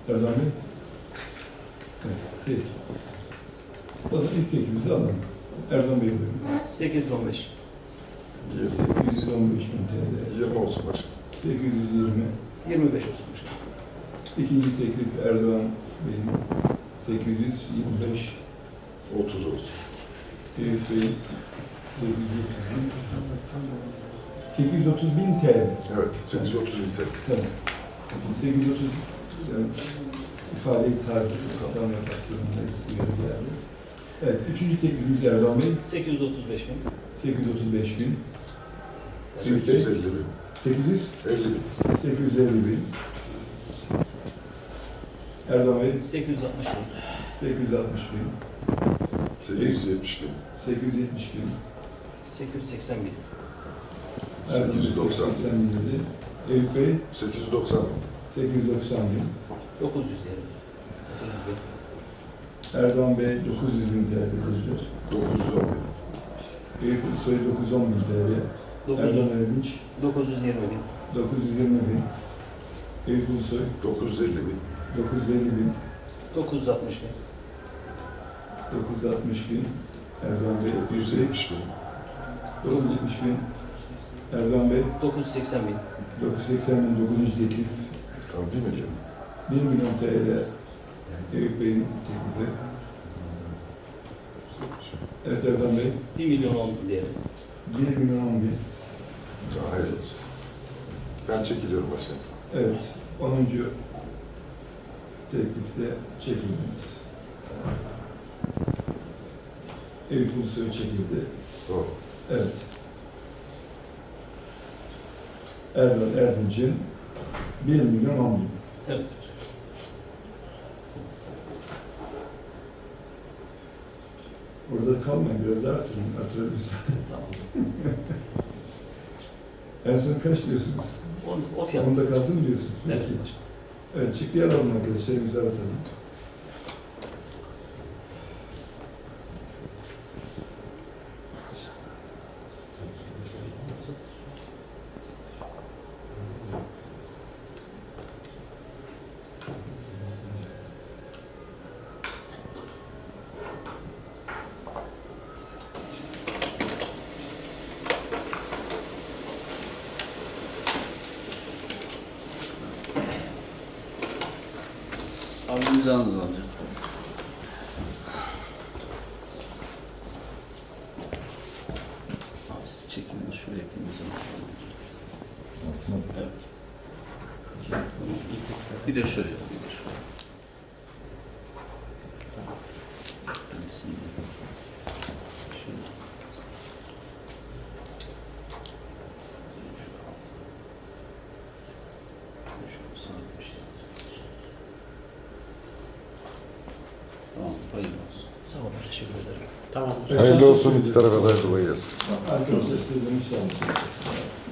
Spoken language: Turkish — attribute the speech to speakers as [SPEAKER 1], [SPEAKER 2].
[SPEAKER 1] Erdoğan Bey? Evet, peki. O zaman ilk teklifimizi alalım. Erdoğan Bey buyurun.
[SPEAKER 2] 815.
[SPEAKER 1] 815 bin TL.
[SPEAKER 3] 20 olsun başkanım.
[SPEAKER 1] 820.
[SPEAKER 2] 25 olsun başkanım.
[SPEAKER 1] İkinci teklif Erdoğan Bey'in 825.
[SPEAKER 3] 30 olsun.
[SPEAKER 1] Eyüp Bey'in 830 bin TL.
[SPEAKER 3] Evet, 830 litre.
[SPEAKER 1] Tamam. 830 yani ifadeyi tarif hata yapmak zorundayız. Uyarı geldi. Evet, üçüncü teklifimiz Erdoğan Bey.
[SPEAKER 2] 835 bin.
[SPEAKER 1] 835 bin. Eyüp Bey.
[SPEAKER 3] 850 bin.
[SPEAKER 1] 800.
[SPEAKER 3] 50 bin.
[SPEAKER 1] 850 bin. Erdoğan Bey.
[SPEAKER 2] 860 bin.
[SPEAKER 1] 860 bin.
[SPEAKER 3] 870 bin.
[SPEAKER 1] 870 bin.
[SPEAKER 2] 880 bin.
[SPEAKER 1] Erdoğan Bey
[SPEAKER 3] 890 bin.
[SPEAKER 1] 880 bin dedi. Eyüp Bey.
[SPEAKER 3] 890 bin.
[SPEAKER 1] 890 bin.
[SPEAKER 2] 900 diyelim. 900 bin.
[SPEAKER 1] Erdoğan Bey 900 bin TL dedi.
[SPEAKER 3] 910 bin.
[SPEAKER 1] Eyüp Soy 910 bin TL.
[SPEAKER 2] 900,
[SPEAKER 1] Erdoğan Erdinç
[SPEAKER 2] 920 bin.
[SPEAKER 1] 920 bin. Eyüp Ulusoy
[SPEAKER 3] 950 bin.
[SPEAKER 1] 950 bin.
[SPEAKER 2] 960 bin.
[SPEAKER 1] 960 bin. Erdoğan Bey
[SPEAKER 3] 970 bin.
[SPEAKER 1] 970 bin. Erdoğan Bey
[SPEAKER 2] 980 bin.
[SPEAKER 1] 980 bin 9. teklif.
[SPEAKER 3] Tamam, 1 milyon.
[SPEAKER 1] 1 milyon TL Eyüp Bey'in teklifi. Evet Erdoğan Bey
[SPEAKER 2] 1 milyon 10 diyelim.
[SPEAKER 1] 1 milyon 10 bin.
[SPEAKER 3] Tamam, hayırlı olsun. Ben çekiliyorum başkanım.
[SPEAKER 1] Evet 10. teklifte çekildiniz. Eyüp Ulusoy çekildi.
[SPEAKER 3] Doğru.
[SPEAKER 1] Evet. Erdoğan Erdinç'in 1 milyon 10 bin.
[SPEAKER 2] Evet.
[SPEAKER 1] Orada kalmayın, biraz daha artırın, artırabilirsiniz.
[SPEAKER 2] Tamam.
[SPEAKER 1] En son kaç diyorsunuz?
[SPEAKER 2] O fiyat.
[SPEAKER 1] Onda kalsın mı diyorsunuz?
[SPEAKER 2] Evet
[SPEAKER 1] Peki.
[SPEAKER 2] başkanım.
[SPEAKER 1] Evet, çıktı alalım arkadaşlar, imza atalım.
[SPEAKER 4] Abi imzanızı alacağım. Abi siz çekin, şuraya bir imza alalım. Evet. Tamam, bir de şuraya, bir de şuraya. Ben şimdi şuraya. Tamam, hayırlı olsun.
[SPEAKER 2] Sağ olun. Teşekkür ederim.
[SPEAKER 4] Tamam.
[SPEAKER 3] Hayırlı olsun, iki tarafa da kolay gelsin.
[SPEAKER 1] Arkadaşlar size müsaade.